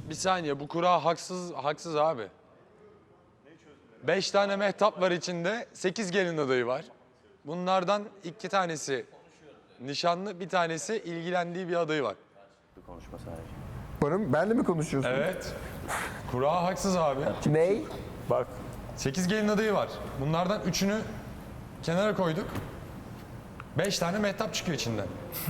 Bir saniye, bu kura haksız abi. 5 tane mehtap var içinde, 8 gelin adayı var. Bunlardan 2 tanesi nişanlı, bir tanesi ilgilendiği bir adayı var. Konuşma sadece. Benle mi konuşuyorsun? Evet. Kura haksız abi. Ney? Bak 8 gelin adayı var. Bunlardan 3'ünü kenara koyduk. 5 tane mehtap çıkıyor içinden.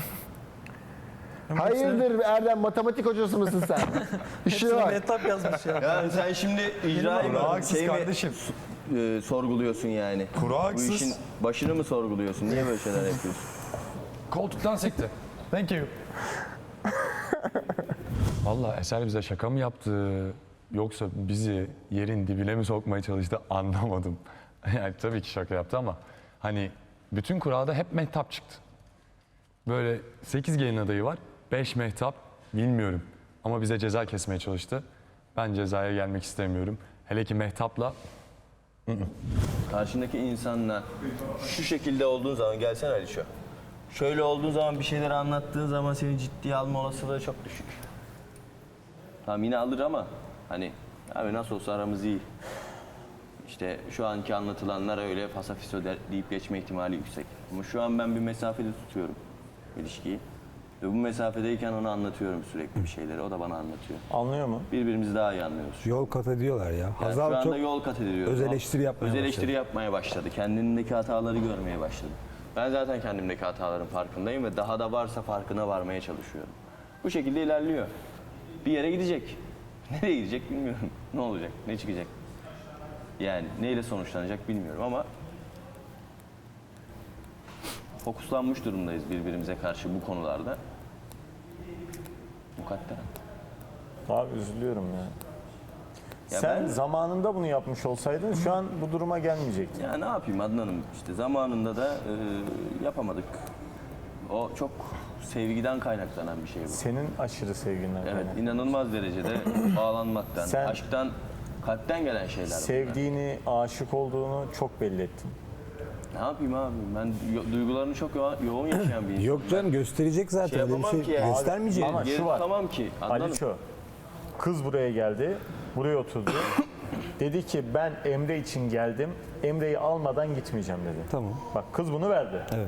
Hayırdır Erdem, matematik hocası mısın sen? İşe bak. metap yazmış ya. Yani sen şimdi icrayı mı, Haksız şey kardeşim. mi sorguluyorsun yani? Kura Bu haksız. işin başını mı sorguluyorsun? Niye böyle şeyler yapıyorsun? Koltuktan sekti. Thank you. Vallahi Eser bize şaka mı yaptı? Yoksa bizi yerin dibine mi sokmaya çalıştı anlamadım. Yani tabii ki şaka yaptı ama hani bütün kurada hep mehtap çıktı. Böyle 8 gelin adayı var, 5 mehtap bilmiyorum. Ama bize ceza kesmeye çalıştı. Ben cezaya gelmek istemiyorum. Hele ki mehtapla Karşındaki insanla şu şekilde olduğun zaman, gelsene Alişo. Şöyle olduğun zaman, bir şeyleri anlattığın zaman seni ciddiye alma olasılığı çok düşük. Tamam yine alır ama hani abi nasıl olsa aramız iyi. İşte şu anki anlatılanlar öyle fasafiso deyip geçme ihtimali yüksek. Ama şu an ben bir mesafede tutuyorum ilişkiyi. Ve bu mesafedeyken ona anlatıyorum sürekli bir şeyleri. O da bana anlatıyor. Anlıyor mu? Birbirimizi daha iyi anlıyoruz. Yol kat ediyorlar ya. Yani Hazal şu anda çok yol kat ediliyor. öz eleştiri yapmaya Öz eleştiri başladı. yapmaya başladı. Kendindeki hataları görmeye başladı. Ben zaten kendimdeki hataların farkındayım ve daha da varsa farkına varmaya çalışıyorum. Bu şekilde ilerliyor. Bir yere gidecek. Nereye gidecek bilmiyorum. Ne olacak, ne çıkacak? Yani neyle sonuçlanacak bilmiyorum ama fokuslanmış durumdayız birbirimize karşı bu konularda. Mukadder. Abi üzülüyorum ya. Ya Sen ben- zamanında bunu yapmış olsaydın şu an bu duruma gelmeyecektin. Ya ne yapayım Adnan'ım, işte zamanında da yapamadık. O çok sevgiden kaynaklanan bir şey bu. Senin aşırı sevginden Evet, kaynaklı. inanılmaz derecede bağlanmaktan, Sen- aşktan, kalpten gelen şeyler bunlar. Sevdiğini, aşık olduğunu çok belli ettin. Ne yapayım abi, ben duygularını çok yoğun yaşayan bir insanım. Yok canım gösterecek zaten. Şey Öyle bir yapamam şey ki ya. göstermeyecek. Ama Geri şu var. tutamam ki, Adnan'ım. Aliço, kız buraya geldi, buraya oturdu. Dedi ki ben Emre için geldim, Emre'yi almadan gitmeyeceğim dedi. Tamam. Bak kız bunu verdi. Evet.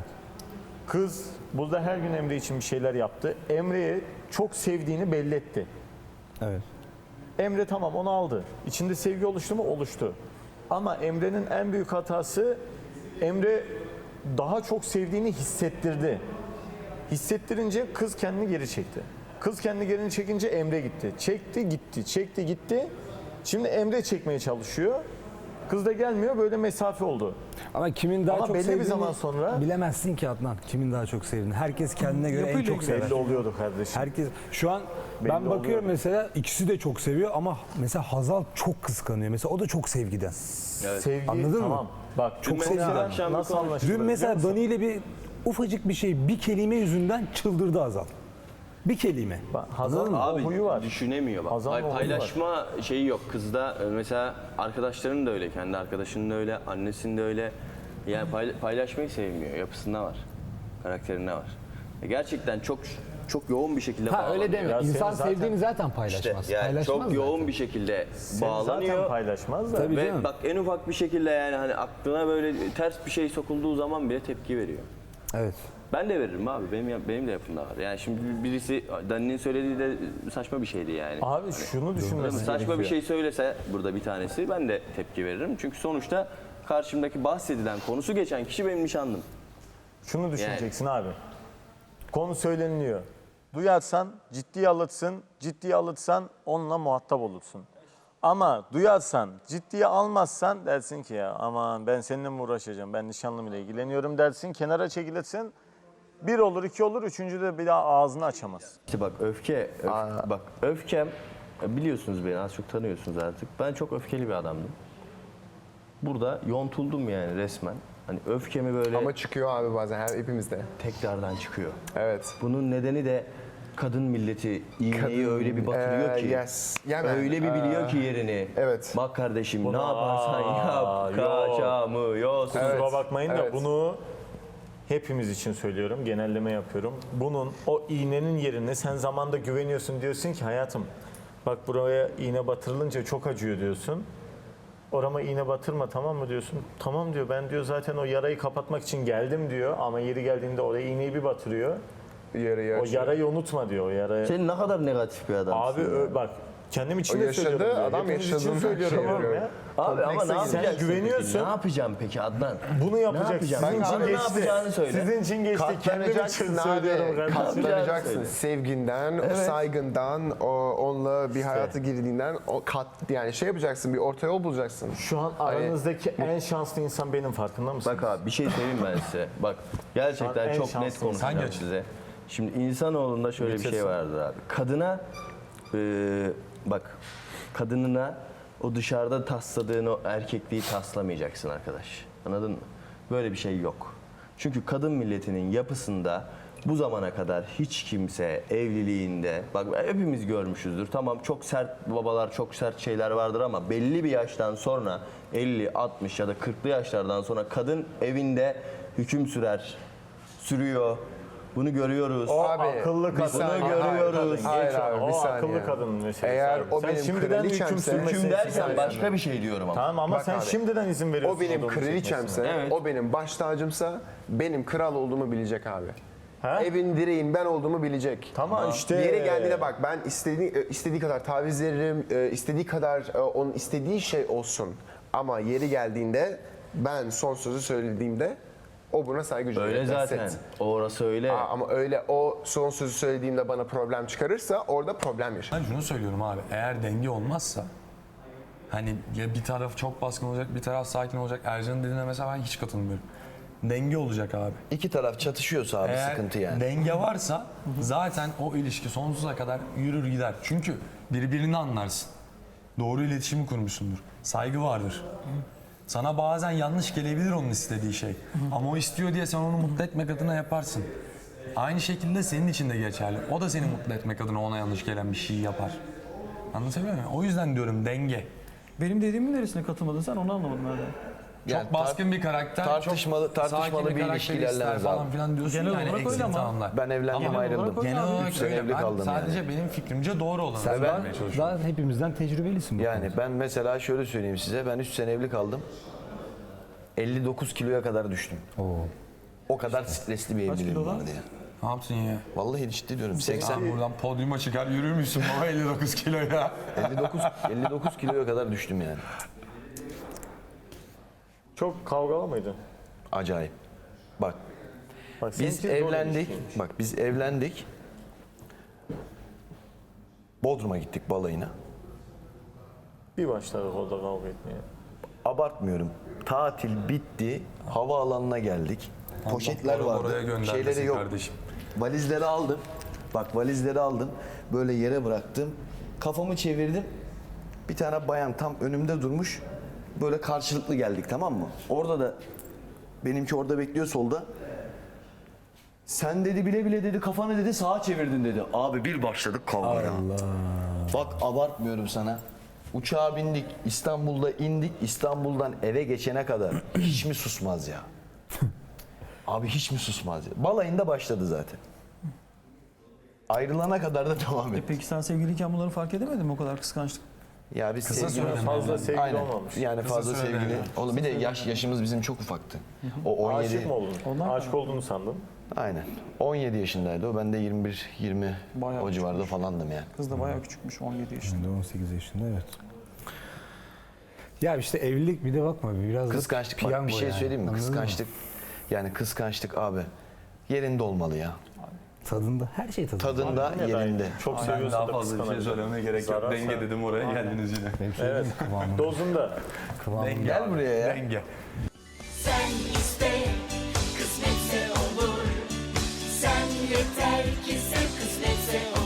Kız burada her gün Emre için bir şeyler yaptı. Emre'yi çok sevdiğini belli etti. Evet. Emre tamam onu aldı. İçinde sevgi oluştu mu? Oluştu. Ama Emre'nin en büyük hatası Emre daha çok sevdiğini hissettirdi. Hissettirince kız kendini geri çekti. Kız kendini geri çekince Emre gitti. Çekti gitti, çekti gitti. Şimdi Emre çekmeye çalışıyor. Kız da gelmiyor, böyle mesafe oldu. Ama kimin daha Ama çok belli bir sevdiğini zaman sonra- bilemezsin ki Adnan. Kimin daha çok sevdiğini. Herkes kendine göre en çok sever. Belli oluyordu kardeşim. Herkes şu an Belli ben bakıyorum oluyor. mesela ikisi de çok seviyor ama mesela Hazal çok kıskanıyor. Mesela o da çok sevgiden. Sevgi Anladın mı? tamam. Bak Çok mesela sevgiden. Akşam bir nasıl konuş- anlaşılır Dün biliyor mesela musun? Dani ile bir ufacık bir şey, bir kelime yüzünden çıldırdı Hazal. Bir kelime. Hazal'ın o Abi huyu var. düşünemiyor bak. Hazal'ın o huyu Paylaşma şeyi yok. Kızda mesela arkadaşlarının da öyle, kendi arkadaşının da öyle, annesinin de öyle. Yani paylaşmayı sevmiyor. Yapısında var. Karakterinde var. Gerçekten çok yoğun bir şekilde Ha öyle deme. Ya İnsan seni zaten- sevdiğini zaten İşte paylaşmaz. yani Paylaşmaz çok yoğun zaten. bir şekilde Seni bağlanıyor. zaten paylaşmaz da. Tabii Ve canım. bak en ufak bir şekilde yani hani aklına böyle ters bir şey sokulduğu zaman bile tepki veriyor. Evet. Ben de veririm abi. Benim de yapımda var. Yani şimdi birisi Dani'nin söylediği de saçma bir şeydi yani. Abi şunu düşünmesi Saçma gerekiyor. bir şey söylese burada bir tanesi ben de tepki veririm. Çünkü sonuçta karşımdaki bahsedilen, konusu geçen kişi benim nişanlım. Şunu düşüneceksin abi. Konu söyleniliyor. Duyarsan ciddiye alırsın, ciddiye alırsan onunla muhatap olursun. Ama duyarsan, ciddiye almazsan dersin ki ya aman ben seninle mi uğraşacağım, ben nişanlımla ilgileniyorum dersin, kenara çekilirsin. Bir olur, iki olur, üçüncü de bir daha ağzını açamaz. İşte bak bak öfkem, biliyorsunuz beni az çok tanıyorsunuz artık. Ben çok öfkeli bir adamdım. Burada yontuldum yani resmen. Hani öfkemi böyle Ama çıkıyor abi bazen hepimizde. tekrardan çıkıyor. Evet. Bunun nedeni de kadın milleti iğneyi öyle bir batırıyor ki. yes. Yani, öyle bir biliyor ki yerini. evet. Bak kardeşim ne Buna- yaparsan yap. yok. Kaçamıyorsun. Evet. Kusura bakmayın da evet. bunu hepimiz için söylüyorum, genelleme yapıyorum. Bunun o iğnenin yerine sen zamanda güveniyorsun diyorsun ki hayatım Bak buraya iğne batırılınca çok acıyor diyorsun. Orama iğne batırma tamam mı diyorsun. Tamam diyor, ben diyor zaten o yarayı kapatmak için geldim diyor. Ama yeri geldiğinde oraya iğneyi bir batırıyor. Yarayı O açıyor. yarayı unutma diyor. O yarayı. Sen ne kadar negatif bir adamsın. Abi bak kendim için O de yaşadı, söylüyorum. diyor. adam Hepimiz için yaşadığından söylüyorum şey oğlum yapıyor. ya. Abi ama ne Komplekse yapacaksın? Sen güveniyorsun. Peki? Ne yapacağım peki Adnan? Bunu Ne yapacaksın. yapacağım? Sizin Bak, için bana ne geçti. yapacağını söyle. Sizin için geçti. Kendim için Katlanacaksın söylüyorum abi. kardeşim. Katlanacaksın. Söyle. Sevginden, o saygından, onunla bir hayata girdiğinden yani şey yapacaksın, bir orta yol bulacaksın. Şu an aranızdaki en şanslı insan benim, farkında mısın? Bak abi bir şey söyleyeyim ben size. Bak gerçekten en çok net şanslı konuşacağım insan. size. Şimdi insanoğlunda şöyle bir şey vardır abi. Kadına bak kadınına o dışarıda tasladığın o erkekliği taslamayacaksın arkadaş. Anladın mı? Böyle bir şey yok. Çünkü kadın milletinin yapısında bu zamana kadar hiç kimse evliliğinde, bak hepimiz görmüşüzdür. Tamam çok sert babalar, çok sert şeyler vardır ama belli bir yaştan sonra 50, 60 ya da 40'lı yaşlardan sonra kadın evinde hüküm sürüyor. Bunu görüyoruz. O Abi, akıllı bir kadın. saniye. Bunu görüyoruz. Hayır Geç abi, onu. bir O saniye. akıllı kadın meselesi. Eğer abi. o Sen benim şimdiden hüküm kraliçemse- sürmesini Hüküm derken istiyorsun. başka bir şey diyorum ama. Tamam ama Bak sen abi, şimdiden izin veriyorsun. O benim adamın kraliçemse, çekmesine. Evet. o benim baş tacımsa, benim kral olduğumu bilecek abi. Ha? Evin direğin ben olduğumu bilecek. Tamam işte. Yeri geldiğinde bak ben istediği kadar taviz veririm, istediği kadar onun istediği şey olsun. Ama yeri geldiğinde ben son sözü söylediğimde o buna saygı duyacak. Öyle That's zaten. it. Orası öyle. Ama öyle o son sözü söylediğimde bana problem çıkarırsa orada problem yaşar. Ben şunu söylüyorum abi, eğer denge olmazsa hani ya bir taraf çok baskın olacak, bir taraf sakin olacak. Ercan'ın dediğine mesela ben hiç katılmıyorum. Denge olacak abi. İki taraf çatışıyorsa abi Eğer sıkıntı yani. denge varsa zaten o ilişki sonsuza kadar yürür gider. Çünkü birbirini anlarsın. Doğru iletişimi kurmuşsundur. Saygı vardır. Sana bazen yanlış gelebilir onun istediği şey. Ama o istiyor diye sen onu mutlu etmek adına yaparsın. Aynı şekilde senin için de geçerli. O da seni mutlu etmek adına ona yanlış gelen bir şey yapar. Anlatabiliyor muyum? O yüzden diyorum denge. Benim dediğimin neresine katılmadın sen, onu anlamadım ben de. Yani Çok baskın bir karakter, tartışmalı- çok tartışmalı sakin bir karakter ilişki ister ilerlemez falan abi. filan diyorsun Genel yani olarak öyle eksik ama. tamamlar. Ben evlendim Ama ayrıldım. genel olarak 3 sene öyle. evli Ben kaldım sadece yani. benim fikrimce doğru olanı ben- söylemeye çalışıyorum. Daha hepimizden tecrübelisin bu Yani konuda. ben mesela şöyle söyleyeyim size, ben 3 sene evli kaldım. 59 kiloya kadar düştüm. O kadar stresli bir evliliğim kilodan? vardı ya. Ne yaptın ya? Vallahi ciddi diyorum. 80 Sen buradan podyuma çıkar yürür müsün baba 59 kilo ya? 59 kiloya kadar düştüm yani. Çok kavgalı mıydın? Acayip. Bak Bak, biz seninki zor evlendik. ilişkiymiş. Bak biz evlendik. Bodrum'a gittik balayına. Bir başladık orada kavga etmeye. Abartmıyorum. Tatil bitti. Havaalanına geldik. Poşetler oraya vardı. göndermesin Şeyleri yok. kardeşim. Valizleri aldım. Bak valizleri aldım. Böyle yere bıraktım. Kafamı çevirdim. Bir tane bayan tam önümde durmuş. Böyle karşılıklı geldik, tamam mı? Orada da benimki orada bekliyor solda. Sen dedi bile bile dedi kafanı dedi sağa çevirdin dedi. Abi bir başladık kavgaya. Bak abartmıyorum sana. Uçağa bindik, İstanbul'da indik. İstanbul'dan eve geçene kadar hiç mi susmaz ya? Abi hiç mi susmaz ya? Balayında başladı zaten. Ayrılana kadar da devam etti. Peki sen sevgiliyken bunları fark edemedin mi, o kadar kıskançlık? Ya biz Kısa sevgili sürede Fazla sevgili Aynen. olmamış. Yani fazla sürede sevgili. yani. Oğlum bir de yaşımız bizim çok ufaktı. O 17. Aşık mı oldun? Aşık olduğunu sandın. Aynen. 17 yaşındaydı o. Ben de 21-20 Bayağı o civarda falandım yani. Kız da bayağı küçükmüş, 17 yaşında. Şimdi 18 yaşında evet. Ya işte evlilik bir de bakma biraz Kıskançlık bak piyango bir şey yani, söyleyeyim mi? anladın mı? Kıskançlık. Yani kıskançlık abi yerinde olmalı ya. Tadında her şey tadında. Tadında Yine de aynı. yerinde. Çok Ben seviyorsa daha da fazla bir şey kıskanabilir. söylemeye gerek yok. Zarar Denge sen- dedim oraya geldiniz yine. Benim söylediğim kıvamında. Dozunda. Kıvamında. Gel buraya ya. Denge. Sen iste, kısmetse olur. Sen yeter ki sev, kısmetse olur.